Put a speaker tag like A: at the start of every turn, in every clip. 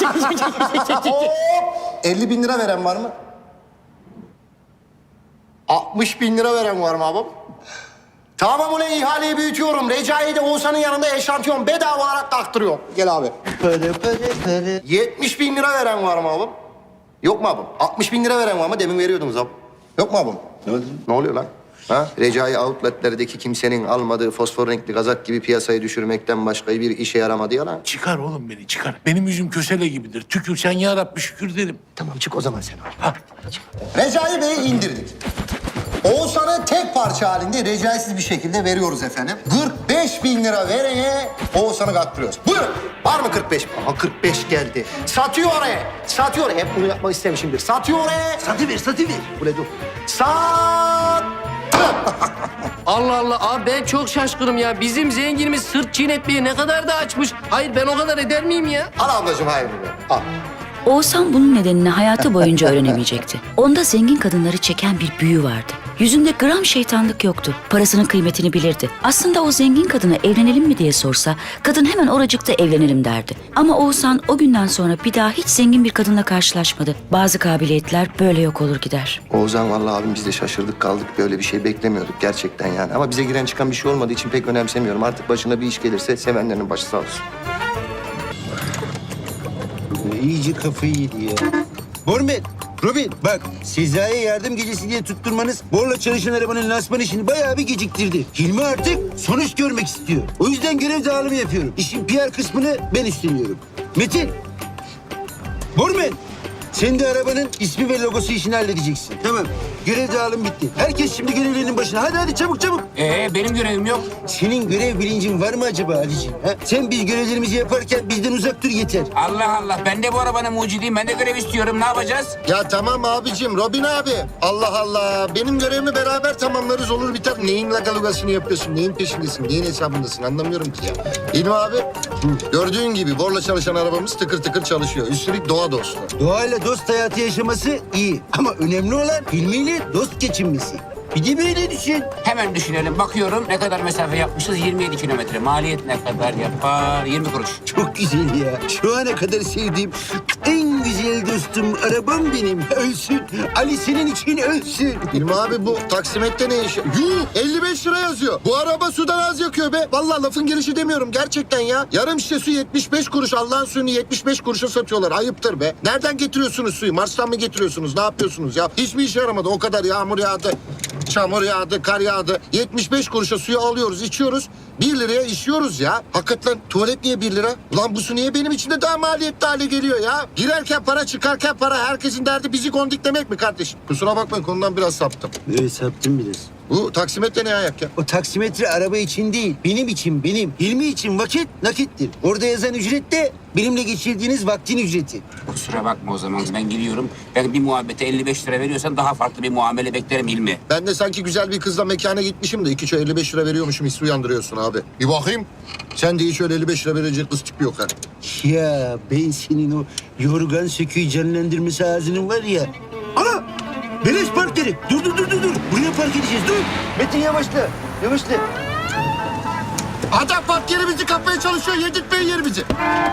A: 50 bin lira veren var mı? 60 bin lira veren var mı abim? Tamam ulan ihaleyi büyütüyorum. Recai'yi de Oğuzhan'ın yanında eşantiyon bedava olarak taktırıyorum. Gel abi. 70 bin lira veren var mı abim? Yok mu abim? 60 bin lira veren var mı? Demin veriyordunuz abim. Yok mu abim? Ne oluyor lan? Ha? Recai outletlerdeki kimsenin almadığı fosfor renkli kazak gibi piyasayı düşürmekten başka bir işe yaramadı ya lan.
B: Çıkar oğlum beni çıkar. Benim yüzüm kösele gibidir. Tükür sen ya Rabbi şükür derim.
A: Tamam çık o zaman sen abi.
B: Ha.
A: Recai Bey'i indirdik. Oğuzhan'ı tek parça halinde recaisiz bir şekilde veriyoruz efendim. 45 bin lira verene Oğuzhan'ı kattırıyoruz. Buyurun. Var mı 45? Aha 45 geldi. Satıyor oraya. Satıyor. Hep bunu yapmak istemişimdir. Satıyor oraya.
C: Satıver.
A: Buraya dur. Sat.
D: Allah Allah abi ben çok şaşkınım ya. Bizim zenginimiz sırt çiğnetmeye ne kadar da açmış. Hayır ben o kadar eder miyim ya?
A: Al ablacığım hayır. Al.
E: Oğuzhan bunun nedenini hayatı boyunca öğrenemeyecekti. Onda zengin kadınları çeken bir büyü vardı. Yüzünde gram şeytanlık yoktu. Parasının kıymetini bilirdi. Aslında o zengin kadına evlenelim mi diye sorsa, kadın hemen oracıkta evlenelim derdi. Ama Oğuzhan o günden sonra bir daha hiç zengin bir kadınla karşılaşmadı. Bazı kabiliyetler böyle yok olur gider.
A: Oğuzhan vallahi abim biz de şaşırdık kaldık. Böyle bir şey beklemiyorduk gerçekten yani. Ama bize giren çıkan bir şey olmadığı için pek önemsemiyorum. Artık başına bir iş gelirse sevenlerin başı sağ olsun.
C: İyice kafayı yedi ya. Bormet, Robin bak Sezai'ye yardım gecesi diye tutturmanız Borla çalışan arabanın lansman işini bayağı bir geciktirdi. Hilmi artık sonuç görmek istiyor. O yüzden görev dağılımı yapıyorum. İşin PR kısmını ben üstleniyorum. Metin, Bormet sen de arabanın ismi ve logosu işini halledeceksin. Tamam, görev dağılımı bitti. Herkes şimdi görevlerinin başına. Hadi çabuk.
F: Benim görevim yok.
C: Senin görev bilincin var mı acaba Ali'ciğim? Ha? Sen biz görevlerimizi yaparken bizden uzak dur yeter.
F: Allah Allah. Ben de bu arabanın mucidiyim. Ben de görev istiyorum. Ne yapacağız?
A: Ya tamam abicim, Robin abi. Allah Allah. Benim görevimi beraber tamamlarız olur biter. Neyin lagalugasını yapıyorsun? Neyin peşindesin? Neyin hesabındasın? Anlamıyorum ki ya. İlmi abi, gördüğün gibi Borla çalışan arabamız tıkır tıkır çalışıyor. Üstelik doğa dostu.
C: Doğayla dost hayatı yaşaması iyi. Ama önemli olan ilmiyle dost geçinmesi. Bir de böyle düşün.
F: Hemen düşünelim. Bakıyorum ne kadar mesafe yapmışız? 27 kilometre. Maliyet ne kadar yapar? 20 kuruş.
C: Çok güzel ya. Şu ana kadar sevdiğim en güzel dostum arabam benim. Ölsün. Ali senin için ölsün.
A: İlmi abi bu taksimette ne iş? Yuh 55 lira yazıyor. Bu araba sudan az yakıyor be. Vallahi lafın gelişi demiyorum gerçekten ya. Yarım şişe su 75 kuruş. Allah'ın suyunu 75 kuruşa satıyorlar. Ayıptır be. Nereden getiriyorsunuz suyu? Mars'tan mı getiriyorsunuz? Ne yapıyorsunuz ya? Hiçbir işe yaramadı. O kadar yağmur yağdı. Çamur yağdı, kar yağdı. 75 kuruşa suyu alıyoruz, içiyoruz. 1 liraya içiyoruz ya. Hakikaten tuvalet niye 1 lira? Ulan bu su niye benim için de daha maliyetli hale geliyor ya? Girerken para, çıkarken para. Herkesin derdi bizi kondiklemek mi kardeşim? Kusura bakmayın konudan biraz saptım.
C: Evet saptım biraz.
A: Bu taksimetre ne ayak ya?
C: O taksimetre araba için değil, benim için, benim. Hilmi için vakit nakittir. Orada yazan ücret de benimle geçirdiğiniz vaktin ücreti.
F: Kusura bakma o zaman. Ben gidiyorum. Ben bir muhabbete 55 lira veriyorsan daha farklı bir muamele beklerim Hilmi.
A: Ben de sanki güzel bir kızla mekana gitmişim de 2 çay 55 lira veriyormuşum hissi uyandırıyorsun abi. Bir bakayım. Sen de hiç öyle 55 lira verecek kız tipi yok ha.
C: Ya ben senin o yorgan söküğü canlandırması ağzının var ya. Ana! Beleş park yeri. Dur. Buraya park edeceğiz. Dur. Metin yavaşla.
A: Adam park yerimizi kapmaya çalışıyor. Yedirtmeyin yerimizi.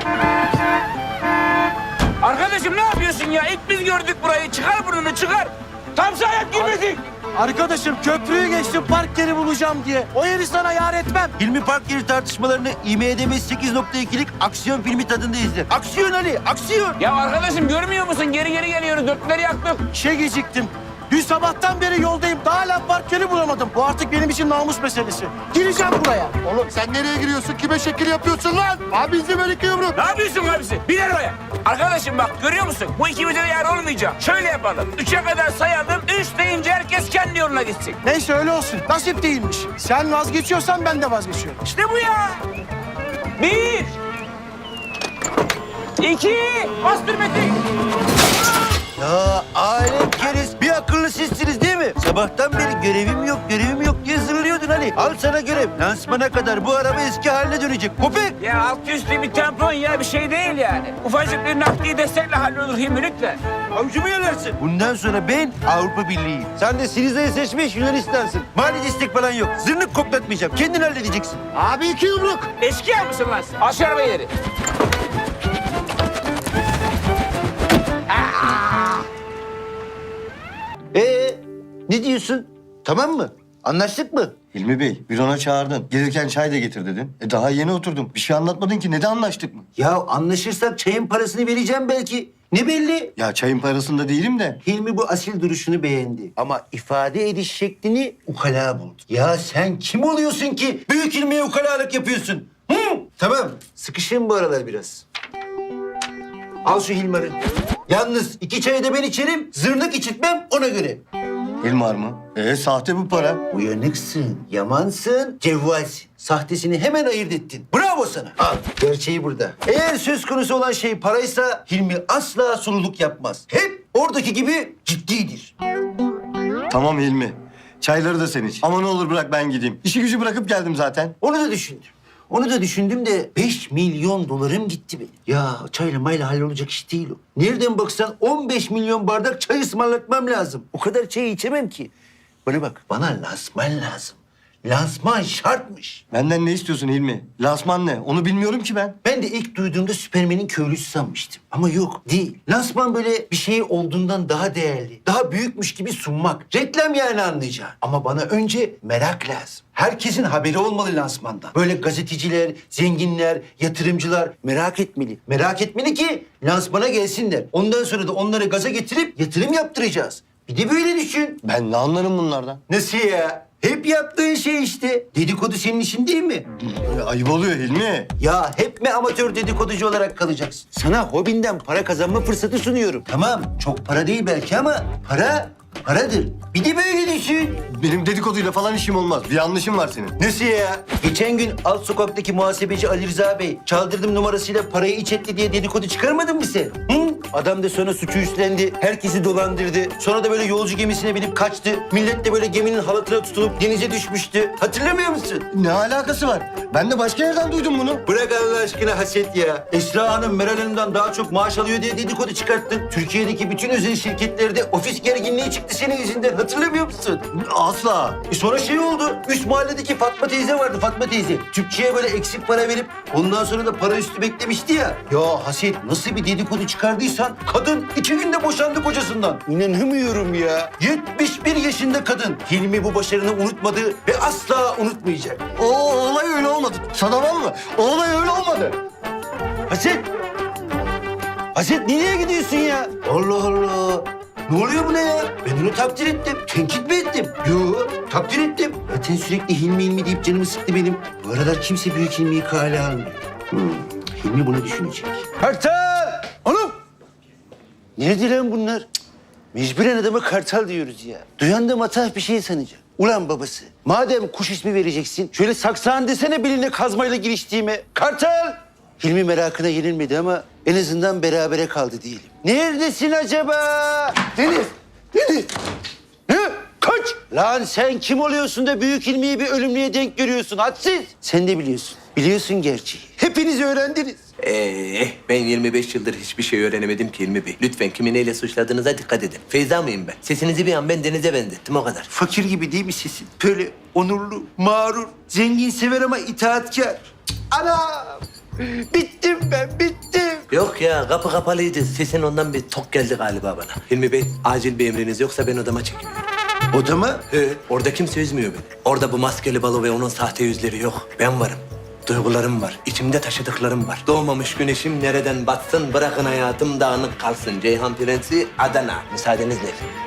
F: Arkadaşım ne yapıyorsun ya? İlk biz gördük burayı. Çıkar burnunu çıkar. Tam sayak girmedik.
G: Arkadaşım köprüyü geçtim park yeri bulacağım diye. O yeri sana yar etmem.
C: Hilmi park yeri tartışmalarını IMDb 8.2'lik aksiyon filmi tadında izle. Aksiyon Ali, aksiyon.
F: Ya arkadaşım görmüyor musun? Geri geliyoruz. Dörtleri yaktık.
G: İşe geciktim. Dün sabahtan beri yoldayım. Daha hala park yeri bulamadım. Bu artık benim için namus meselesi. Gireceğim buraya.
A: Oğlum sen nereye giriyorsun? Kime şekil yapıyorsun lan? Abi izle böyle iki yumruk.
F: Ne yapıyorsun abisi? Bir arabaya. Arkadaşım bak görüyor musun? Bu ikimize de yer olmayacak. Şöyle yapalım. 3'e kadar sayalım. 3 deyince herkes kendi yoluna gitsin.
G: Neyse öyle olsun. Nasip değilmiş. Sen vazgeçiyorsan ben de vazgeçiyorum.
F: İşte bu ya. 1 2 bastır Metin.
C: Ya alem keriz. Bir akıllı sizsiniz değil mi? Sabahtan beri görevim yok diye zırlıyordun Ali. Al sana görev. Lansmana kadar bu araba eski haline dönecek. Köpek.
F: Ya alt üstü bir tampon ya bir şey değil yani. Ufacık bir nakdi destekle hallolur Hilmi lütfen.
C: Avucumu yalarsın. Bundan sonra ben Avrupa Birliği'yim. Sen de Siriza'yı seçmiş Yunanistan'sın. Mali destek falan yok. Zırnık koklatmayacağım. Kendin halledeceksin.
A: Abi iki yumruk.
F: Eşkıya mısın lan sen? Al şu arabayı ileri.
C: Ne diyorsun? Tamam mı? Anlaştık mı?
H: Hilmi Bey, bürona çağırdın. Gelirken çay da getir dedin. Daha yeni oturdum. Bir şey anlatmadın ki. Neden anlaştık mı?
C: Ya anlaşırsak çayın parasını vereceğim belki. Ne belli?
H: Ya çayın parasında değilim de.
C: Hilmi bu asil duruşunu beğendi. Ama ifade ediş şeklini ukala buldu. Ya sen kim oluyorsun ki büyük Hilmi'ye ukalalık yapıyorsun? Hı? Tamam, sıkışın bu aralar biraz. Al şu Hilmar'ı. Yalnız 2 çayı da ben içerim, zırnık içitmem ona göre.
H: Hilmar mı? Sahte bu para.
C: Uyanıksın, yamansın, cevvalsin. Sahtesini hemen ayırt ettin. Bravo sana. Al, gerçeği burada. Eğer söz konusu olan şey paraysa Hilmi asla sululuk yapmaz. Hep oradaki gibi ciddidir.
H: Tamam Hilmi. Çayları da sen iç. Ama ne olur bırak ben gideyim. İşi gücü bırakıp geldim zaten.
C: Onu da düşündüm. Onu da düşündüm de 5 milyon dolarım gitti benim. Ya çayla mayla hallolacak iş değil o. Nereden baksan 15 milyon bardak çay ısmarlatmam lazım. O kadar çayı içemem ki. Bana bak, bana lansman lazım. Lansman şartmış.
H: Benden ne istiyorsun Hilmi? Lansman ne? Onu bilmiyorum ki ben.
C: Ben de ilk duyduğumda Süpermen'in köylüsü sanmıştım. Ama yok, değil. Lansman böyle bir şey olduğundan daha değerli, daha büyükmüş gibi sunmak. Reklam yani anlayacağın. Ama bana önce merak lazım. Herkesin haberi olmalı lansmandan. Böyle gazeteciler, zenginler, yatırımcılar merak etmeli. Merak etmeli ki lansmana gelsinler. Ondan sonra da onları gaza getirip yatırım yaptıracağız. Bir de böyle düşün.
H: Ben ne anlarım bunlardan?
C: Nasıl ya? Hep yaptığın şey işte. Dedikodu senin işin değil mi?
H: Ayıp oluyor Hilmi.
C: Ya hep mi amatör dedikoducu olarak kalacaksın? Sana hobinden para kazanma fırsatı sunuyorum. Tamam, çok para değil belki ama paradır. Bir de böyle düşün.
H: Benim dedikoduyla falan işim olmaz. Bir yanlışım var senin.
C: Nasıl ya? Geçen gün alt sokaktaki muhasebeci Ali Rıza Bey çaldırdım numarasıyla parayı iç etti diye dedikodu çıkarmadın mı sen? Hı? Adam da sonra suçu üstlendi. Herkesi dolandırdı. Sonra da böyle yolcu gemisine binip kaçtı. Millet de böyle geminin halatına tutulup denize düşmüştü. Hatırlamıyor musun?
H: Ne alakası var? Ben de başka yerden duydum bunu.
C: Bırak Allah aşkına haset ya. Esra Hanım Meral Hanım'dan daha çok maaş alıyor diye dedikodu çıkarttın. Türkiye'deki bütün özel şirketlerde ofis gerginliği çıktı senin yüzünden. Hatırlamıyor musun?
H: Asla.
C: Sonra şey oldu. Üst mahalledeki Fatma teyze vardı, Fatma teyze. Tüpçüye böyle eksik para verip ondan sonra da para üstü beklemişti ya. Ya haset, nasıl bir dedikodu çıkardıysan kadın 2 günde boşandı kocasından. İnanamıyorum ya. 71 yaşında kadın. Hilmi bu başarını unutmadı ve asla unutmayacak.
H: O olay öyle olmadı. Sana var mı? O olay öyle olmadı.
C: Haset! Haset nereye gidiyorsun ya? Allah Allah! Ne oluyor buna ya? Ben onu takdir ettim. Tenkit mi ettim? Yok, takdir ettim. Zaten sürekli Hilmi deyip canımı sıktı benim. Bu aralar kimse büyük Hilmi'yi kale almıyor. Hilmi bunu düşünecek. Kartal! Oğlum! Nerede lan bunlar? Cık, mecburen adama kartal diyoruz ya. Duyan da matah bir şey sanacak. Ulan babası, madem kuş ismi vereceksin, şöyle saksağın desene beline kazmayla giriştiğime. Kartal! Hilmi merakına yenilmedi ama en azından berabere kaldı diyelim. Neredesin acaba? Deniz! Deniz! Ne? Kaç! Lan sen kim oluyorsun da büyük Hilmi'yi bir ölümlüye denk görüyorsun? Hadsiz! Sen de biliyorsun. Biliyorsun gerçeği. Hepiniz öğrendiniz.
I: Ben 25 yıldır hiçbir şey öğrenemedim ki Hilmi Bey. Lütfen kimi neyle suçladığınıza dikkat edin. Feyza mıyım ben? Sesinizi bir an ben Deniz'e benzettim o kadar.
C: Fakir gibi değil mi sesin? Böyle onurlu, mağrur, zengin sever ama itaatkar. Cık, anam! Bittim ben, bittim.
I: Yok ya kapı kapalıydı. Sesin ondan bir tok geldi galiba bana. Hilmi Bey acil bir emriniz yoksa ben odama çekiliyorum.
C: Odama?
I: Orada kimse üzmüyor beni. Orada bu maskeli balo ve onun sahte yüzleri yok. Ben varım. Duygularım var. İçimde taşıdıklarım var. Doğmamış güneşim nereden batsın bırakın hayatım dağınık kalsın. Ceyhan Prensi Adana. Müsaadenizle.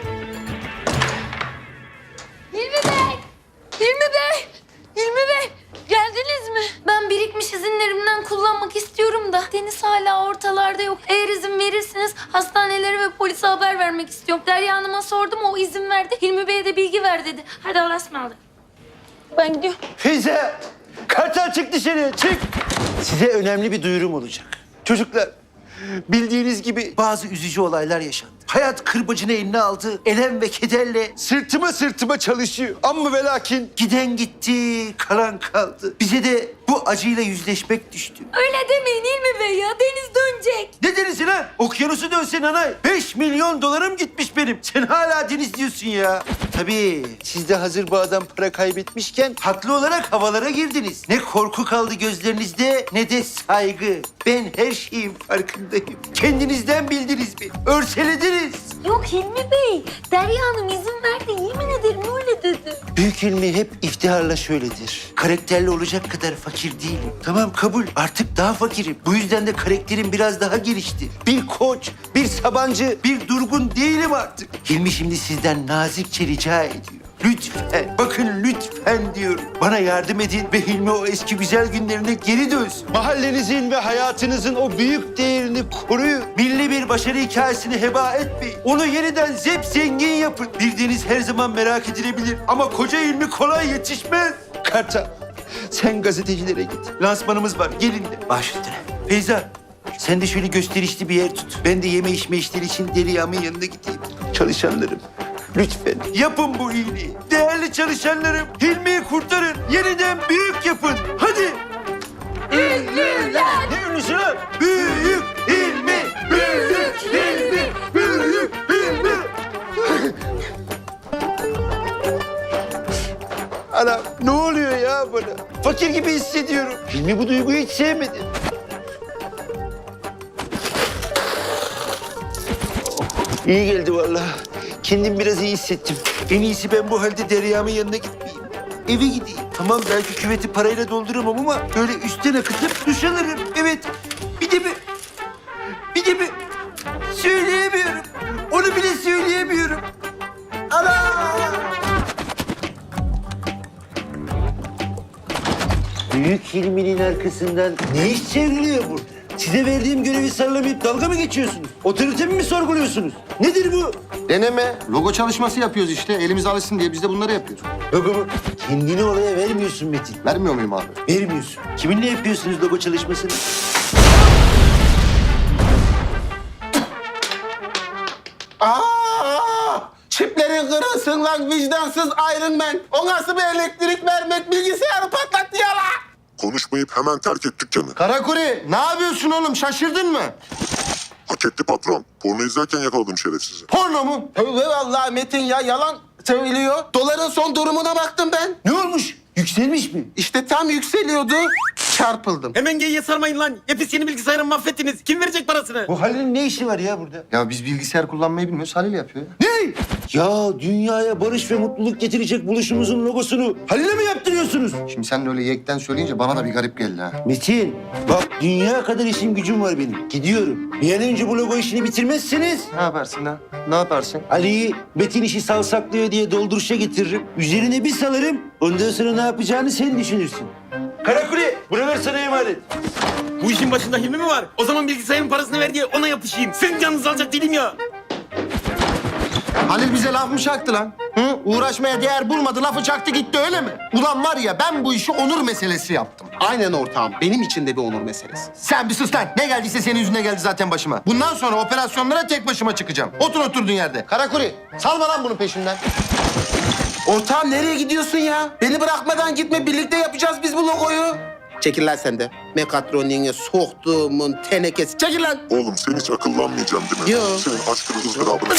J: Hilmi Bey! Hilmi Bey! Hilmi Bey! Geldiniz mi? Ben birikmiş izinlerimden kullanmak istiyorum da Deniz hala ortalarda yok. Eğer izin verirseniz hastanelere ve polise haber vermek istiyorum. Derya Hanım'a sordum, o izin verdi. Hilmi Bey'e de bilgi ver dedi. Hadi Allah'a ısmarladık. Ben gidiyorum.
C: Feyza! Kartal çık dışarıya, çık! Size önemli bir duyurum olacak. Çocuklar, bildiğiniz gibi bazı üzücü olaylar yaşandı. Hayat kırbacını eline aldı, elem ve kederle sırtıma çalışıyor. Amma ve lakin giden gitti, kalan kaldı. Bize de bu acıyla yüzleşmek düştü.
J: Öyle demeyin Hilmi Bey ya. Deniz dönecek.
C: Ne denizi lan? Okyanusu dönsen anay. 5 milyon dolarım gitmiş benim. Sen hala deniz diyorsun ya. Tabii siz de hazır bu adam para kaybetmişken haklı olarak havalara girdiniz. Ne korku kaldı gözlerinizde ne de saygı. Ben her şeyin farkındayım. Kendinizden bildiniz mi? Örselediniz.
J: Yok Hilmi Bey. Derya Hanım izin verdi. Yemin ederim öyle dedi.
C: Büyük ilmi hep iftiharla şöyledir. Karakterli olacak kadar fakir değilim. Tamam kabul. Artık daha fakirim. Bu yüzden de karakterim biraz daha gelişti. Bir koç, bir Sabancı, bir Durgun değilim artık. Hilmi şimdi sizden nazikçe rica ediyor. Lütfen, bakın lütfen diyorum. Bana yardım edin ve Hilmi o eski güzel günlerine geri dönsün. Mahallenizin ve hayatınızın o büyük değerini koruyun. Milli bir başarı hikayesini heba etmeyin. Onu yeniden zengin yapın. Bildiğiniz her zaman merak edilebilir. Ama koca Hilmi kolay yetişmez. Kartal, sen gazetecilere git. Lansmanımız var, gelin de. Baş üstüne. Feyza, sen de şöyle gösterişli bir yer tut. Ben de yeme içme işleri için Derya'mın yanına gideyim. Çalışanlarım, lütfen yapın bu iyiliği. Değerli çalışanlarım, Hilmi'yi kurtarın. Yeniden büyük yapın. Hadi.
J: Ünlüler.
C: Ne ünlüsü lan? Büyük Hilmi, büyük Hilmi, büyük Hilmi. Anam ne oluyor ya bana? Fakir gibi hissediyorum. Hilmi bu duyguyu hiç sevmedi. İyi geldi vallahi. Kendim biraz iyi hissettim. En iyisi ben bu halde Derya'mın yanına gitmeyeyim. Eve gideyim. Tamam belki küveti parayla dolduramam ama böyle üstten akıtıp duş alırım. Evet. Bir de söyleyemiyorum. Onu bile söyleyemiyorum. Ana! Büyük Hilmi'nin arkasından ne iş çevriliyor burada? Size verdiğim görevi sarılamayıp dalga mı geçiyorsunuz? Otoritemi mi sorguluyorsunuz? Nedir bu?
A: Deneme. Logo çalışması yapıyoruz işte. Elimiz alışsın diye biz de bunları yapıyoruz.
C: Logo mu? Kendini oraya vermiyorsun Metin.
A: Vermiyor muyum abi?
C: Vermiyorsun. Kiminle yapıyorsunuz logo çalışmasını?
A: Çiplerin kırılsın lan vicdansız Iron Man. O nasıl bir elektrik vermek bilgisayarı patlattı ya la.
K: Konuşmayıp hemen terk et dükkanı.
A: Karakuri ne yapıyorsun oğlum şaşırdın mı?
K: Hak etti patron. Porno izlerken yakaladım şerefsizi.
A: Porno mu?
G: Tövbe vallahi Metin ya yalan söylüyor. Doların son durumuna baktım ben.
C: Ne olmuş? Yükselmiş mi?
G: İşte tam yükseliyordu. Çarpıldım.
L: Hemen geyiğe sarmayın lan. Hepsi yeni bilgisayarımı mahvettiniz. Kim verecek parasını?
C: Bu Halil'in ne işi var ya burada?
A: Ya biz bilgisayar kullanmayı bilmiyoruz. Halil yapıyor ya.
C: Ne? Ya dünyaya barış ve mutluluk getirecek buluşumuzun logosunu Halil'e mi yaptırıyorsunuz?
A: Şimdi sen de öyle yekten söyleyince bana da bir garip geldi ha.
C: Metin, bak dünya kadar işim gücüm var benim. Gidiyorum. Bir an önce bu logo işini bitirmezseniz
A: Ne yaparsın ha? Ne yaparsın?
C: Ali'yi Metin işi savsaklıyor diye dolduruşa getiririm. Üzerine bir salarım. Ondan sonra ne yapacağını sen düşünürsün. Karakule, buralar sana emanet.
L: Bu işin başında Hilmi mi var? O zaman bilgisayarın parasını ver diye ona yapışayım. Senin canınızı alacak değilim ya.
A: Halil bize laf mı çaktı lan? Hı? Uğraşmaya değer bulmadı, lafı çaktı gitti öyle mi? Ulan var ya ben bu işi onur meselesi yaptım.
G: Aynen ortağım. Benim için de bir onur meselesi.
A: Sen bir sus lan. Ne geldiyse senin yüzüne geldi zaten başıma. Bundan sonra operasyonlara tek başıma çıkacağım. Otur oturduğun yerde. Karakuri, salma lan bunu peşimden.
G: Ortağım nereye gidiyorsun ya? Beni bırakmadan gitme. Birlikte yapacağız biz bu logoyu. Çekil lan sen de. Mekatroniğe soktuğumun tenekesi. Çekil lan.
K: Oğlum sen hiç akıllanmayacaksın değil mi?
G: Yo.
K: Senin aşkını ızdırabını...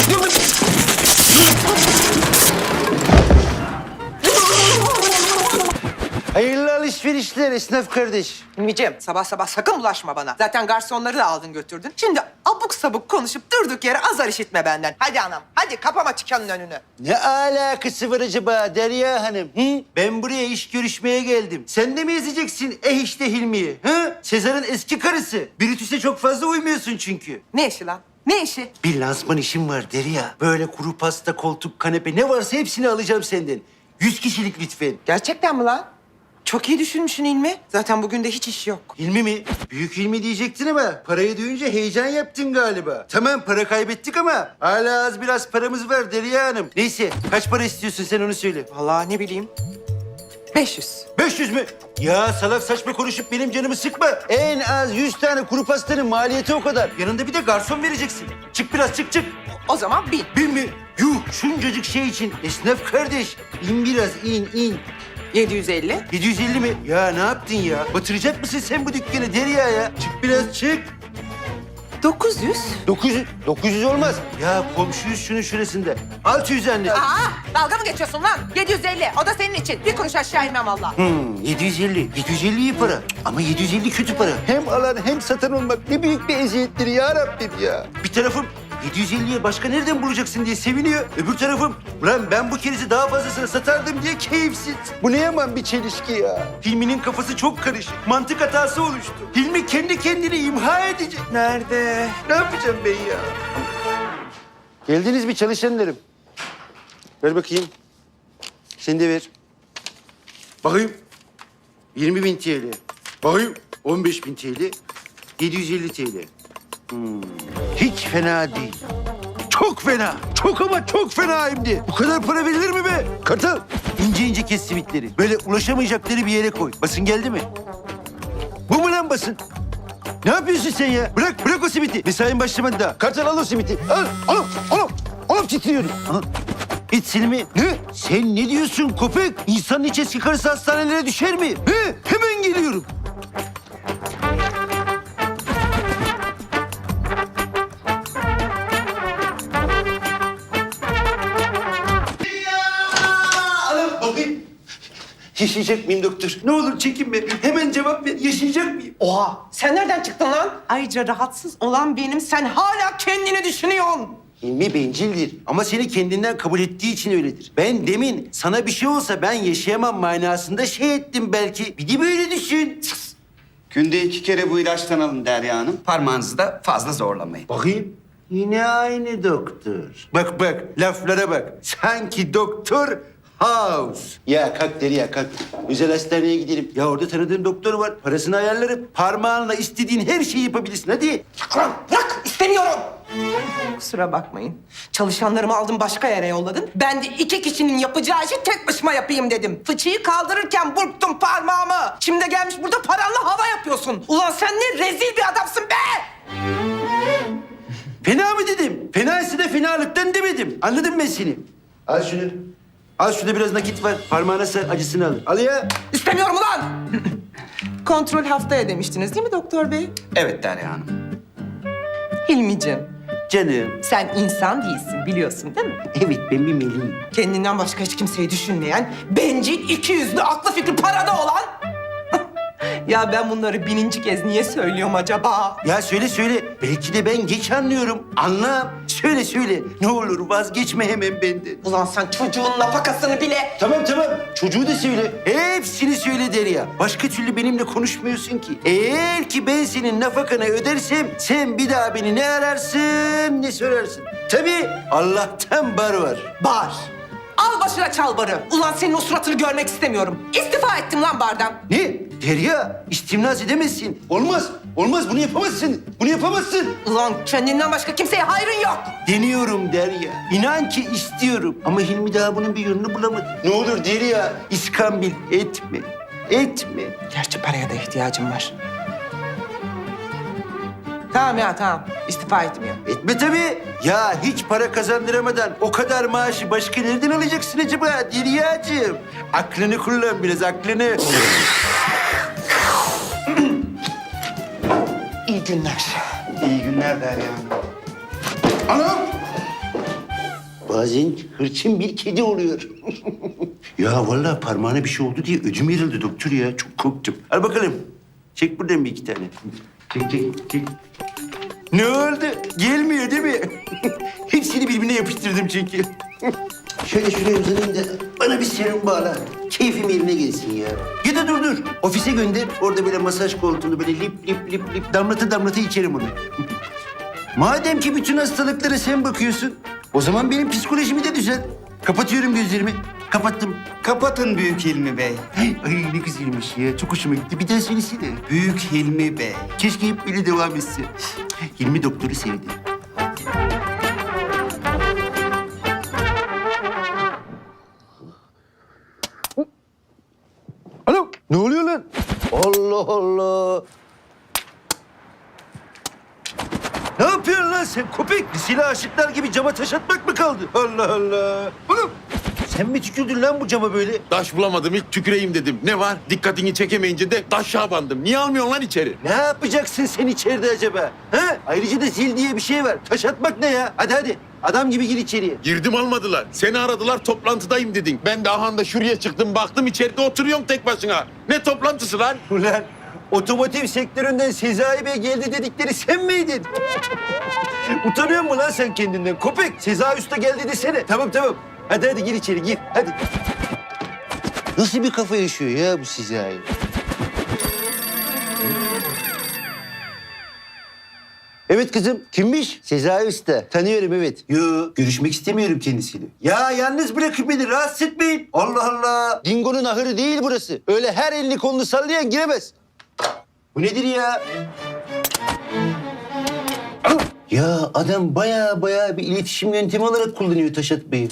C: Hayırlı alışverişler esnaf kardeş.
M: Hilmi'ciğim sabah sabah sakın bulaşma bana. Zaten garsonları da aldın götürdün. Şimdi abuk sabuk konuşup durduk yere azar işitme benden. Hadi anam hadi kapama dükkanın önünü.
C: Ne alakası var acaba Derya Hanım? Hı? Ben buraya iş görüşmeye geldim. Sen de mi ezeceksin işte Hilmi'yi? Hı? Sezar'ın eski karısı. Brutus'e çok fazla uymuyorsun çünkü.
M: Ne işi lan? Ne işi?
C: Bir lansman işim var Derya. Böyle kuru pasta, koltuk, kanepe ne varsa hepsini alacağım senden. 100 kişilik lütfen.
M: Gerçekten mi lan? Çok iyi düşünmüşsün Hilmi. Zaten bugün de hiç iş yok.
C: Hilmi mi? Büyük Hilmi diyecektin ama parayı duyunca heyecan yaptın galiba. Tamam para kaybettik ama hala az biraz paramız var Derya Hanım. Neyse kaç para istiyorsun sen onu söyle.
M: Vallahi ne bileyim. 500.
C: 500 mü? Ya salak saçma konuşup benim canımı sıkma. En az 100 tane kuru pastanın maliyeti o kadar. Yanında bir de garson vereceksin. Çık biraz çık çık.
M: O zaman 1000.
C: 1000 mi? Yuh şuncacık şey için esnaf kardeş. İn biraz in.
M: 750.
C: 750 mi? Ya ne yaptın ya? Batıracak mısın sen bu dükkanı Derya ya? Çık biraz çık.
M: 900.
C: 900 olmaz. Ya komşuyuz şunun şurasında. 600 anne.
M: Aa, dalga mı geçiyorsun lan? 750. O da senin için. Bir kuruş aşağı inmem valla.
C: 750. 750 iyi para. Ama 750 kötü para. Hem alan hem satan olmak ne büyük bir eziyettir ya Rabbim ya. Bir tarafım 750'ye başka nereden bulacaksın diye seviniyor. Öbür tarafım, ulan ben bu kerizi daha fazlasını satardım diye keyifsiz. Bu ne yaman bir çelişki ya. Hilmi'nin kafası çok karışık. Mantık hatası oluştu. Hilmi kendi kendini imha edecek. Nerede? Ne yapacağım ben ya? Geldiniz mi çalışanlarım? Ver bakayım. Sen de ver. Bakayım. 20.000 TL. Bakayım. 15.000 TL. 750 TL. Hiç fena değil. Çok fena. Çok ama çok fena hem de. Bu kadar para verilir mi be? Kartal. İnce ince kes simitleri. Böyle ulaşamayacakları bir yere koy. Basın geldi mi? Bu mu lan basın? Ne yapıyorsun sen ya? Bırak o simiti. Mesain başlamadı daha. Kartal al o simiti. Al titriyorum. Al. İç silimi. Ne? Sen ne diyorsun köpek? İnsanın iç eski karısı hastanelere düşer mi? He? Hemen geliyorum. Alın bakayım. Yaşayacak mıyım doktor? Ne olur çekinme. Hemen cevap ver. Yaşayacak mıyım?
M: Oha sen nereden çıktın lan? Ayrıca rahatsız olan benim, sen hala kendini düşünüyorsun.
C: Hilmi bencildir ama seni kendinden kabul ettiği için öyledir. Ben demin sana bir şey olsa ben yaşayamam manasında şey ettim belki. Bir de böyle düşün.
N: Günde 2 kere bu ilaçtan alın Derya Hanım. Parmağınızı da fazla zorlamayın.
C: Bakayım. Yine aynı doktor. Bak laflara bak. Sanki doktor House. Ya kalk Derya kalk. Özel hastaneye gidelim. Ya orada tanıdığım doktor var. Parasını ayarlarım. Parmağınla istediğin her şeyi yapabilirsin. Hadi.
M: Lan bırak, istemiyorum. Kusura bakmayın. Çalışanlarımı aldın başka yere yolladın. Ben de 2 kişinin yapacağı işi tek başıma yapayım dedim. Fıçıyı kaldırırken burktum parmağımı. Şimdi gelmiş burada paranla hava yapıyorsun. Ulan sen ne rezil bir adamsın be!
C: Fena mı dedim? Fenaysa da fenalıktan demedim. Anladın mı seni? Al şunu. Al şurada biraz nakit var. Parmağına sar, acısını al. Al ya.
M: İstemiyorum ulan! Kontrol haftaya demiştiniz değil mi doktor bey?
N: Evet Derya Hanım.
M: Hilmi'cim,
C: Canım.
M: sen insan değilsin biliyorsun değil mi?
C: Evet ben bir meleğim.
M: Kendinden başka hiç kimseyi düşünmeyen, bencil, ikiyüzlü, aklı fikri parada olan... Ya ben bunları 1000. kez niye söylüyorum acaba?
C: Ya söyle. Belki de ben geç anlıyorum. Anla. Söyle. Ne olur vazgeçme hemen benden.
M: Ulan sen çocuğun nafakasını bile...
C: Tamam. Çocuğu da söyle. Hepsini söyle Derya. Başka türlü benimle konuşmuyorsun ki. Eğer ki ben senin nafakanı ödersem sen bir daha beni ne ararsın ne sorarsın. Tabii Allah'tan bar var.
M: Bar. Al başına çal barı. Ulan senin o suratını görmek istemiyorum. İstifa ettim lan bardan.
C: Ne? Derya istimnaz edemezsin. Olmaz. Bunu yapamazsın.
M: Ulan kendinden başka kimseye hayrın yok.
C: Deniyorum Derya. İnan ki istiyorum. Ama Hilmi daha bunun bir yönünü bulamadı. Ne olur Derya iskambil etme.
M: Gerçi paraya da ihtiyacım var. Tamam. İstifa etmiyorum.
C: Etme tabii. Ya hiç para kazandıramadan o kadar maaşı başka nereden alacaksın acaba Derya'cığım? Aklını kullan biraz, aklını.
M: İyi günler.
N: İyi günler Derya Hanım.
C: Anam! Bazen hırçın bir kedi oluyor. Ya vallahi parmağına bir şey oldu diye ödüm yarıldı doktor ya. Çok korktum. Al bakalım. Çek buradan bir 2 tane. Çek. Ne oldu? Gelmiyor değil mi? Hepsini birbirine yapıştırdım çünkü. Şöyle şuraya uzanayım da bana bir serum bağla. Keyfim yerine gelsin ya. Ya da dur. Ofise gönder. Orada böyle masaj koltuğunda böyle lip damlata içerim onu. Madem ki bütün hastalıklara sen bakıyorsun, o zaman benim psikolojimi de düzelt. Kapatıyorum gözlerimi. Kapattım.
N: Kapatın Büyük Hilmi Bey.
C: Ay ne güzelmiş ya. Çok hoşuma gitti. Bir daha söylesene.
N: Büyük Hilmi Bey.
C: Keşke hep böyle devam etse. Hilmi doktoru sevdi. Alo, ne oluyor lan? Allah. Ne yapıyorsun lan sen köpek? Silah aşıklar gibi cama taş atmak mı kaldı? Allah. Oğlum sen mi tükürdün lan bu cama böyle?
L: Taş bulamadım, ilk tüküreyim dedim. Ne var? Dikkatini çekemeyince de taşa bandım. Niye almıyorsun lan içeri?
C: Ne yapacaksın sen içeride acaba? Ha? Ayrıca da zil diye bir şey var. Taş atmak ne ya? Hadi. Adam gibi gir içeriye.
L: Girdim almadılar. Seni aradılar, toplantıdayım dedin. Ben de ahanda şuraya çıktım, baktım içeride oturuyorsun tek başına. Ne toplantısı lan?
C: Ulan otomotiv sektöründen Sezai Bey geldi dedikleri sen miydin? Utanıyor musun lan sen kendinden? Köpek, Sezai Usta geldi desene. Tamam. Hadi gir içeri gir. Hadi. Nasıl bir kafa yaşıyor ya bu Sezai? Evet kızım. Kimmiş? Sezai Usta. Tanıyorum evet. Yo, görüşmek istemiyorum kendisiyle. Ya yalnız bırakın beni. Rahatsız etmeyin. Allah Allah. Dingo'nun ahırı değil burası. Öyle her elini kolunu sallayan giremez. Bu nedir ya? Ya adam baya bir iletişim yöntemi olarak kullanıyor Taşat Bey'i.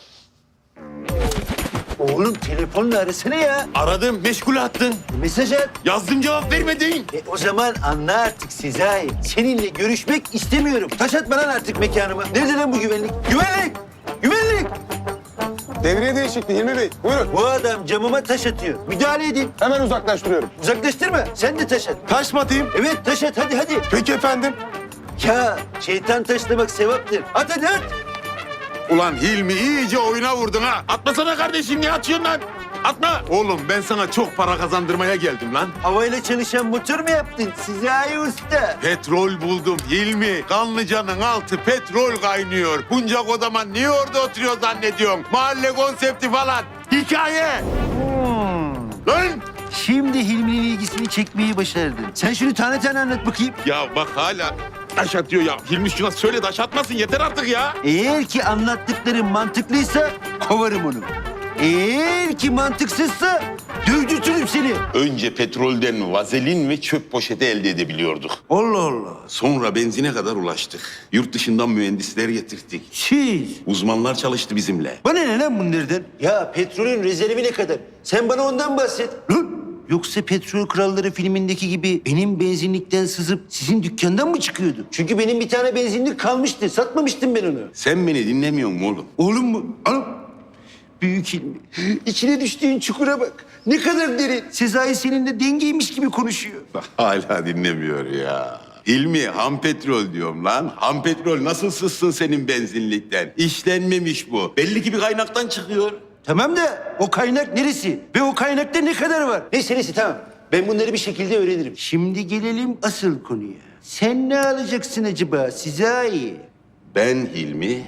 C: Oğlum telefonla arasana ya.
L: Aradım, meşgul attın.
C: Mesaj at.
L: Yazdım, cevap vermedin.
C: O zaman anla artık Sezai. Seninle görüşmek istemiyorum. Taş atma lan artık mekanıma. Nerede lan bu güvenlik? Güvenlik!
L: Devriye değişikliği Hilmi Bey. Buyurun.
C: Bu adam camıma taş atıyor. Müdahale edin.
L: Hemen uzaklaştırıyorum.
C: Uzaklaştırma. Sen de taş at.
L: Taş mı atayım?
C: Evet taş at hadi.
L: Peki efendim.
C: Ya şeytan taşlamak sevaptır. At hadi at.
L: Ulan Hilmi iyice oyuna vurdun ha. Atmasana kardeşim, niye atıyorsun lan? Atma. Oğlum ben sana çok para kazandırmaya geldim lan.
C: Havayla çalışan motor mu yaptın Sezai Usta?
L: Petrol buldum Hilmi. Kanlıca'nın altı petrol kaynıyor. Bunca kodaman niye orada oturuyor zannediyorsun? Mahalle konsepti falan. Hikaye. Lan!
C: Şimdi Hilmi'nin ilgisini çekmeyi başardın. Sen şunu tane anlat bakayım.
L: Ya bak hala taş atıyor ya. Hilmi şuna söyle taş atmasın yeter artık ya.
C: Eğer ki anlattıklarım mantıklıysa kovarım onu. Eğer ki mantıksızsa dövdürtürüm seni.
L: Önce petrolden vazelin ve çöp poşeti elde edebiliyorduk.
C: Allah Allah.
L: Sonra benzine kadar ulaştık. Yurt dışından mühendisler getirdik.
C: Siz.
L: Uzmanlar çalıştı bizimle.
C: Bana ne lan bunlardan? Ya petrolün rezervi ne kadar? Sen bana ondan bahset. Lan! Yoksa Petrol Kralları filmindeki gibi benim benzinlikten sızıp sizin dükkandan mı çıkıyordu? Çünkü benim bir tane benzinlik kalmıştı. Satmamıştım ben onu.
L: Sen beni dinlemiyor musun oğlum?
C: Oğlum mu? Oğlum. Büyük Hilmi. İçine düştüğün çukura bak. Ne kadar derin. Sezai seninle dengeymiş gibi konuşuyor.
L: Hala dinlemiyor ya. Hilmi ham petrol diyorum lan. Ham petrol nasıl sızsın senin benzinlikten? İşlenmemiş bu. Belli ki bir kaynaktan çıkıyor.
C: Tamam da o kaynak neresi? Ve o kaynakta ne kadar var? Neyse tamam. Ben bunları bir şekilde öğrenirim. Şimdi gelelim asıl konuya. Sen ne alacaksın acaba Sezai?
L: Ben Hilmi...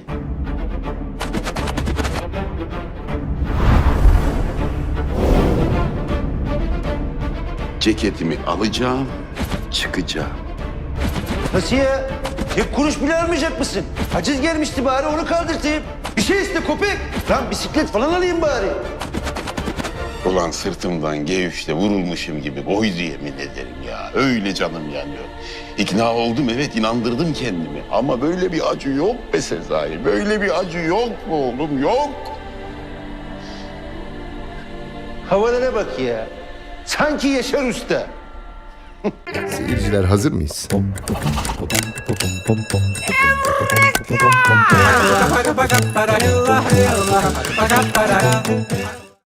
L: Ceketimi alacağım, çıkacağım.
C: Nasıl ya? Tek kuruş bile almayacak mısın? Haciz gelmişti bari onu kaldırtayım. Bir şey iste köpek. Lan bisiklet falan alayım bari.
L: Ulan sırtımdan G3'te vurulmuşum gibi koydu yemin ederim ya. Öyle canım yanıyor. İkna oldum evet, inandırdım kendimi. Ama böyle bir acı yok be Sezai. Böyle bir acı yok mu oğlum, yok.
C: Havalara bak ya. Sanki Yaşar Usta.
K: Seyirciler hazır mıyız?